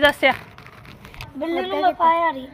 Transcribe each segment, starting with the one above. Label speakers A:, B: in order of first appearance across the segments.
A: ਦੱਸਿਆ?
B: ਬਿੱਲੀ ਨੂੰ ਮੈਂ ਪਾਇਆ ਨਹੀਂ।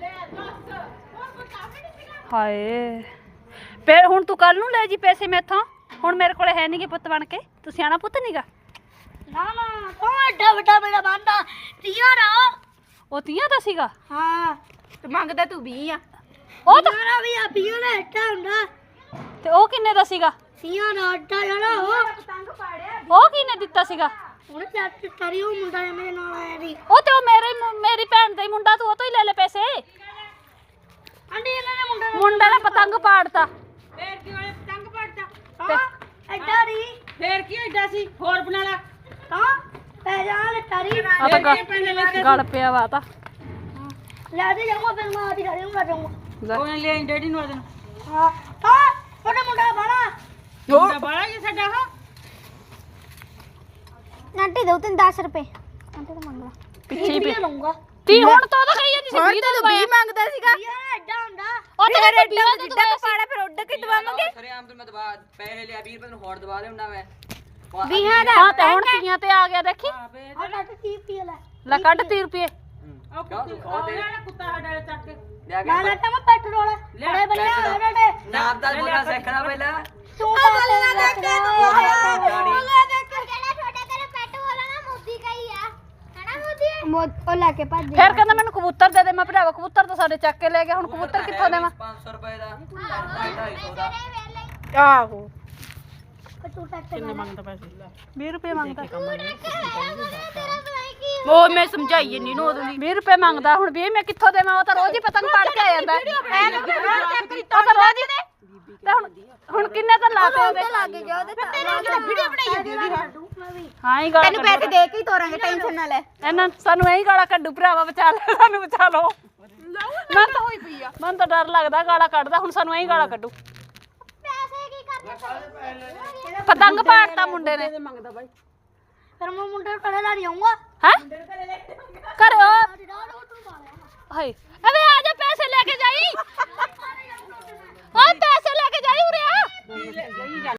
A: ਹਾਏ ਫਿਰ ਹੁਣ ਤੂੰ ਕੱਲ ਨੂੰ ਲੈ ਜੀ ਪੈਸੇ ਮੈਥੋਂ। ਹੁਣ ਮੇਰੇ ਕੋਲੇ ਹੈ ਨਹੀਂਗੇ ਪੁੱਤ ਬਣ ਕੇ। ਤੂੰ ਸਿਆਣਾ ਪੁੱਤ ਨੀਗਾ।
B: ਨਾ ਨਾ ਤੂੰ ਐਡਾ ਵੱਡਾ ਮੇਰਾ ਬੰਦਾ ਤੀਆਂ ਦਾ।
A: ਉਹ 30 ਦਾ ਸੀਗਾ।
B: ਹਾਂ
C: ਤੇ ਮੰਗਦਾ ਤੂੰ 20 ਆ।
A: ਉਹ ਤਾਂ
B: ਤੀਆਂ ਵੀ ਆ ਪੀਓ ਦਾ ਐਡਾ ਹੁੰਦਾ।
A: ਤੇ ਉਹ ਕਿੰਨੇ ਦਾ ਸੀਗਾ?
B: ਤੀਆਂ ਦਾ ਅੱਡਾ ਜਿਹੜਾ
A: ਉਹ ਕਿਹਨੇ ਦਿੱਤਾ ਸੀਗਾ?
B: ਉਹਨੇ ਚੱਟ ਕਰੀ ਉਹ ਮੁੰਡਾ ਮੇਰੇ ਨਾਲ ਆਇਆ ਸੀ।
A: ਉਹ ਤੇ ਉਹ ਮੇਰੀ ਭੈਣ ਦਾ ਹੀ ਮੁੰਡਾ। ਤੂੰ ਉਹ ਤੋਂ ਹੀ ਲੈ ਲੈ ਪੈਸੇ।
B: ਆਂਟੀ ਇਹਨਾਂ ਨੇ
A: ਮੁੰਡਾ ਨੇ ਪਤੰਗ ਪਾੜਤਾ।
C: ਫੇਰ ਕੀ ਹੋਇਆ? ਪਤੰਗ ਪੜਦਾ।
B: ਹਾਂ ਐਡਾ ਨਹੀਂ
C: ਫੇਰ ਕੀ ਐਡਾ ਸੀ? ਹੋਰ ਬਣਾ ਲਾ।
B: ਹਾਂ ਪੈ ਜਾ ਲੈ ਤਾਰੀ
A: ਆ ਤਾਂ ਗਲ ਪਿਆ ਵਾ ਤਾਂ।
B: ਲੈ ਦੇ ਜਾਊਂਗਾ ਫਿਰ ਮੈਂ ਆਦੀ ਘਰੇ ਨੂੰ ਜਾਊਂਗਾ।
C: ਉਹਨੇ ਲਿਆ ਡੈਡੀ ਨੂੰ ਆਦਨ।
B: ਹਾਂ ਹਾਂ ਉਹਦਾ ਮੁੰਡਾ ਬਣਾ
C: ਮੁੰਡਾ ਬਾਲਾ ਜੀ ਸਾਡਾ ਹਾਂ।
B: ਆਂਟੀ ਦੋ 10 ਰੁਪਏ ਆਂਟੀ ਤਾਂ ਮੰਗ ਲਾ
A: ਪਿੱਛੇ
B: ਵੀ ਲਊਂਗਾ।
A: ਤੀ ਹੁਣ ਤਾਂ ਉਹਦਾ ਕਹੀ ਜਾਂਦੀ ਸੀ 20 ਦਾ
C: 20 ਮੰਗਦਾ ਸੀਗਾ।
B: ਯਾਰ ਐਡਾ ਹੁੰਦਾ
A: ਉਹ ਤੇ
C: ਫਿਰ
A: ਐਡਾ
C: ਐਡਾ ਜਿੱਡਾ ਕਪਾੜਾ ਫਿਰ ਉੱਡ ਕੇ ਦਵਾਵਾਂਗੇ।
D: ਸਰੇ ਆਮ ਤੋਂ ਮੈਂ ਦਵਾ ਪੈਸੇ ਲਿਆ 20 ਰੁਪਏ ਨੂੰ ਹੋਰ ਦਵਾ ਦੇਉਣਾ ਮੈਂ।
B: ਵੀਹਾਂ ਦਾ
A: ਹਾਂ ਤੇ ਹੁਣ ਤੀਆਂ ਤੇ ਆ ਗਿਆ ਦੇਖੀ।
B: ਆ ਨਾ 30 ਰੁਪਏ ਲੈ
A: ਲੈ ਕੱਢ 30 ਰੁਪਏ।
C: ਉਹ ਕੁੱਤਾ ਸਾਡਾ ਚੱਕ ਕੇ
D: ਲਿਆ ਕੇ
B: ਨਾ ਨਾ ਤਾਂ ਮੈਂ ਪੈਟਰੋਲ ਬੜੇ ਬਣੇ ਹੋਏ ਨੇ
D: ਨਾਮ ਦਾ ਬੋਲਣਾ ਸਿੱਖਣਾ ਪਹਿਲਾਂ।
B: ਤੂੰ ਤਾਂ ਲੈ ਲੈ ਦੇਖ ਕੇ ਤੂੰ ਲੈ ਦੇਖ ਕੇ
E: ਜਿਹੜਾ ਤੁਹਾਡੇ ਘਰੇ ਪੈਟ ਵਾਲਾ ਨਾ ਮੋਦੀ ਕਹੀ ਆ ਹੈਨਾ ਮੋਦੀ
B: ਉਹ ਲੈ ਕੇ ਭੱਜ
A: ਫਿਰ ਕਹਿੰਦਾ ਮੈਨੂੰ ਕਬੂਤਰ ਦੇ ਦੇ। ਮੈਂ ਭਰਾਵਾ ਕਬੂਤਰ ਤਾਂ ਸਾਡੇ ਚੱਕ ਕੇ ਲੈ ਗਿਆ। ਹੁਣ ਕਬੂਤਰ ਕਿੱਥੋਂ ਦੇਵਾਂ?
D: 500 ਰੁਪਏ ਦਾ 250 ਦਾ।
C: ਆਹੋ
B: ਤੂੰ ਟੱਕ
C: ਕਿੰਨੇ ਮੰਗਦਾ ਪੈਸੇ?
A: 20 ਰੁਪਏ ਮੰਗਦਾ।
C: ਉਹ ਮੈਂ ਸਮਝਾਈ ਨਹੀਂ ਨੂੰ ਉਹਦੀ।
A: 20 ਰੁਪਏ ਮੰਗਦਾ। ਹੁਣ 20 ਮੈਂ ਕਿੱਥੋਂ ਦੇਵਾਂ? ਉਹ ਤਾਂ ਰੋਜ਼ ਹੀ ਪਤੰਗ ਪਾੜ ਕੇ ਆ ਜਾਂਦਾ। ਉਹ ਤਾਂ ਰੋਜ਼ ਹੀ ਤੇ ਹੁਣ ਕਿੰਨੇ ਤਾਂ ਲਾਤੇ ਉਹਦੇ?
C: ਵੀਡੀਓ ਬਣਾਈ ਜਾਂਦੀ ਉਹਦੀ।
A: ਹਾਂ ਹੀ ਗਾਲਾਂ
C: ਤੈਨੂੰ ਪੈਸੇ ਦੇ ਕੇ ਹੀ ਤੋਰਾਂਗੇ, ਟੈਨਸ਼ਨ ਨਾ ਲੈ।
A: ਇਹਨਾਂ ਸਾਨੂੰ ਇਹੀ ਗਾਲਾਂ ਕੱਢੂ ਭਰਾਵਾ। ਬਚਾ ਲੈ ਸਾਨੂੰ, ਬਚਾ ਲਓ।
C: ਮੈਂ ਤਾਂ ਹੋਈ ਪਈ ਆ।
A: ਮੈਨੂੰ ਤਾਂ ਡਰ ਲੱਗਦਾ ਗਾਲਾਂ ਕੱਢਦਾ। ਹੁਣ ਸਾਨੂੰ ਇਹੀ ਗਾਲਾਂ ਕੱਢੂ।
E: ਪੈਸੇ ਕੀ ਕਰਨੇ?
A: ਪਤੰਗ ਪਾੜਤਾ ਮੁੰਡੇ ਨੇ।
C: ਮੰਗਦਾ ਬਾਈ।
B: ਫਿਰ ਮੈਂ ਮੁੰਡੇ ਨੂੰ ਕੜੇ ਲਾ ਜਾਊਂਗਾ।
A: ਹੈ ਕਰਿਓ। ਹਾਏ ਅਬੇ ਆ ਜਾ ਪੈਸੇ ਲੈ ਕੇ ਜਾਈ। ਓ ਪੈਸੇ ਲੈ ਕੇ ਜਾਈ ਉਰੇ ਆ।